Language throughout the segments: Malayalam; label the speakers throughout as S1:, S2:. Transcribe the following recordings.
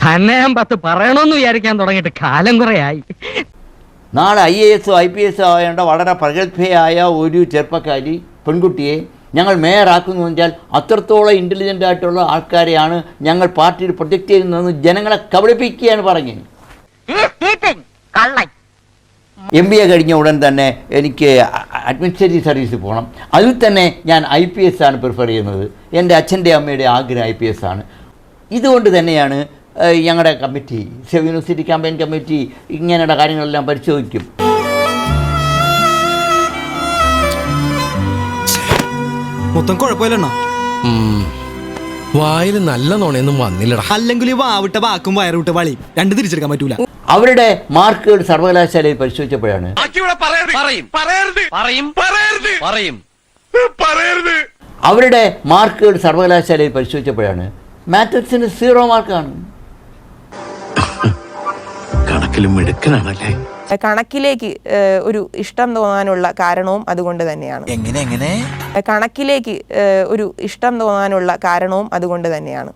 S1: തന്നെ ഞാൻ 10 പറയണമെന്ന് വിചാരിക്കാൻ തുടങ്ങിയിട്ട് കാലം കുറയായി.
S2: നാളെ IAS IPS ആവേണ്ട വളരെ പ്രഗത്ഭയായ ഒരു ചെറുപ്പക്കാരി പെൺകുട്ടിയെ ഞങ്ങൾ മേയറാക്കുന്നു വെച്ചാൽ അത്രത്തോളം ഇൻ്റലിജൻ്റ് ആയിട്ടുള്ള ആൾക്കാരെയാണ് ഞങ്ങൾ പാർട്ടിയിൽ പ്രൊജക്റ്റ് ചെയ്യുന്നതെന്ന് ജനങ്ങളെ കബളിപ്പിക്കുകയാണ് പറഞ്ഞത്. MBA കഴിഞ്ഞ ഉടൻ തന്നെ എനിക്ക് അഡ്മിനിസ്ട്രേറ്റീവ് സർവീസിൽ പോകണം. അതിൽ തന്നെ ഞാൻ IPS ആണ് പ്രിഫർ ചെയ്യുന്നത്. എൻ്റെ അച്ഛൻ്റെ അമ്മയുടെ ആഗ്രഹം IPS ആണ്. ഇതുകൊണ്ട് തന്നെയാണ് ഞങ്ങളുടെ കമ്മിറ്റി, യൂണിവേഴ്സിറ്റി ക്യാമ്പയിൻ കമ്മിറ്റി ഇങ്ങനെയുള്ള കാര്യങ്ങളെല്ലാം പരിശോധിക്കും.
S3: മൊത്തം കുഴപ്പമില്ലണ്ണ.
S4: വായിൽ നല്ല നോണയൊന്നും വന്നില്ലടാ.
S3: അല്ലെങ്കിൽ വാവിട്ട വാക്കും വയറുവിട്ട വളി രണ്ട് തിരിച്ചെടുക്കാൻ പറ്റൂല.
S2: അവരുടെ മാർക്കുകൾ സർവകലാശാലയിൽ പരിശോധിച്ചപ്പോഴാണ് അവരുടെ മാർക്കുകൾ സർവകലാശാലയിൽ പരിശോധിച്ചപ്പോഴാണ് മാത്തസിന് 0 മാർക്കാണ്.
S4: കണക്കിലും മിടുക്കനാണല്ലേ.
S5: കണക്കിലേക്ക് ഒരു ഇഷ്ടം തോന്നാനുള്ള കാരണവും അതുകൊണ്ട് തന്നെയാണ്. കണക്കിലേക്ക് ഒരു ഇഷ്ടം തോന്നാനുള്ള കാരണവും അതുകൊണ്ട് തന്നെയാണ്.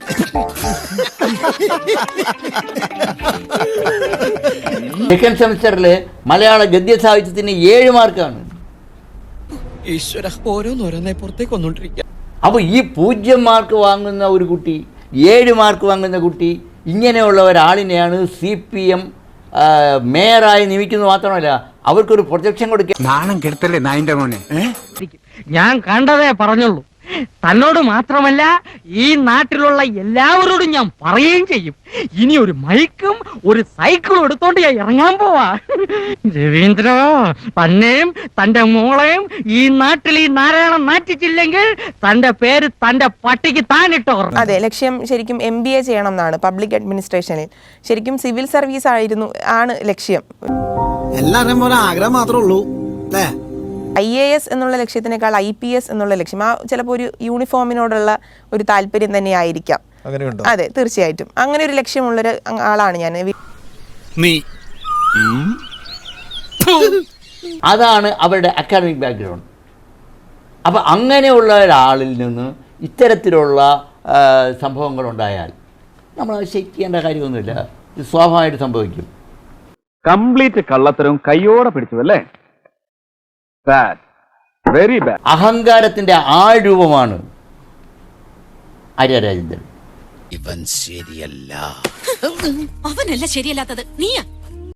S2: സെക്കൻഡ് സെമിസ്റ്ററിൽ മലയാള ഗദ്യ സാഹിത്യത്തിന് 7 മാർക്കാണ്.
S4: ഈശ്വര, ഓരോന്നോരോന്നെ പുറത്തേക്ക് വന്നോണ്ടിരിക്കുക.
S2: അപ്പോൾ ഈ 0 മാർക്ക് വാങ്ങുന്ന ഒരു കുട്ടി, 7 മാർക്ക് വാങ്ങുന്ന കുട്ടി, ഇങ്ങനെയുള്ള ഒരാളിനെയാണ് CPM മേയറായി നിയമിക്കുന്നത്. മാത്രമല്ല അവർക്കൊരു പ്രൊജക്ഷൻ കൊടുക്കുക.
S6: നാണം കെടുത്തല്ലേ നായിന്റെ മോനെ.
S1: ഞാൻ കണ്ടതേ പറഞ്ഞുള്ളൂ. തന്നോട് മാത്രമല്ല ഈ നാട്ടിലുള്ള എല്ലാവരോടും ഞാൻ പറയുകയും ചെയ്യും. ഇനി ഒരു മൈക്കും ഒരു സൈക്കിളും എടുത്തോണ്ട് ഞാൻ ഇറങ്ങാൻ പോവാ. രവീന്ദ്ര, തന്നെയും തന്റെ മോളെയും ഈ നാട്ടിൽ ഈ നാരായണം നാറ്റിച്ചില്ലെങ്കിൽ തന്റെ പേര് തന്റെ പട്ടിക്ക് താനിട്ടോ.
S5: അതെ, ലക്ഷ്യം ശരിക്കും MBA ചെയ്യണം എന്നാണ്. പബ്ലിക് അഡ്മിനിസ്ട്രേഷനിൽ ശരിക്കും സിവിൽ സർവീസ് ആണ് ലക്ഷ്യം.
S3: എല്ലാവരും പോലെ ആഗ്രഹം മാത്രമേ ഉള്ളൂ അല്ലേ?
S5: IAS എന്നുള്ള ലക്ഷ്യത്തിനേക്കാൾ IPS എന്നുള്ള ലക്ഷ്യം, ചിലപ്പോൾ ഒരു യൂണിഫോമിനോടുള്ള ഒരു താല്പര്യം തന്നെ ആയിരിക്കാം. അതെ, തീർച്ചയായിട്ടും അങ്ങനെ ഒരു ലക്ഷ്യമുള്ളൊരു ആളാണ് ഞാൻ.
S2: അതാണ് അവരുടെ അക്കാഡമിക് ബാക്ക്ഗ്രൗണ്ട്. അപ്പം അങ്ങനെയുള്ള ഒരാളിൽ നിന്ന് ഇത്തരത്തിലുള്ള സംഭവങ്ങളുണ്ടായാൽ നമ്മൾ അത് ശയിക്കേണ്ട കാര്യമൊന്നുമില്ല. ഇത് സ്വാഭാവികമായിട്ട് സംഭവിക്കും.
S7: കംപ്ലീറ്റ് കള്ളത്തരവും കയ്യോടെ പിടിച്ചു അല്ലേ? Very bad.
S2: അഹങ്കാരത്തിന്റെ ആൾരൂപമാണ് ആര്യ രാജേന്ദ്രൻ.
S4: ഇവൻ ശരിയല്ല.
S8: അവനല്ല ശരിയല്ലാത്തത്, നീയാ.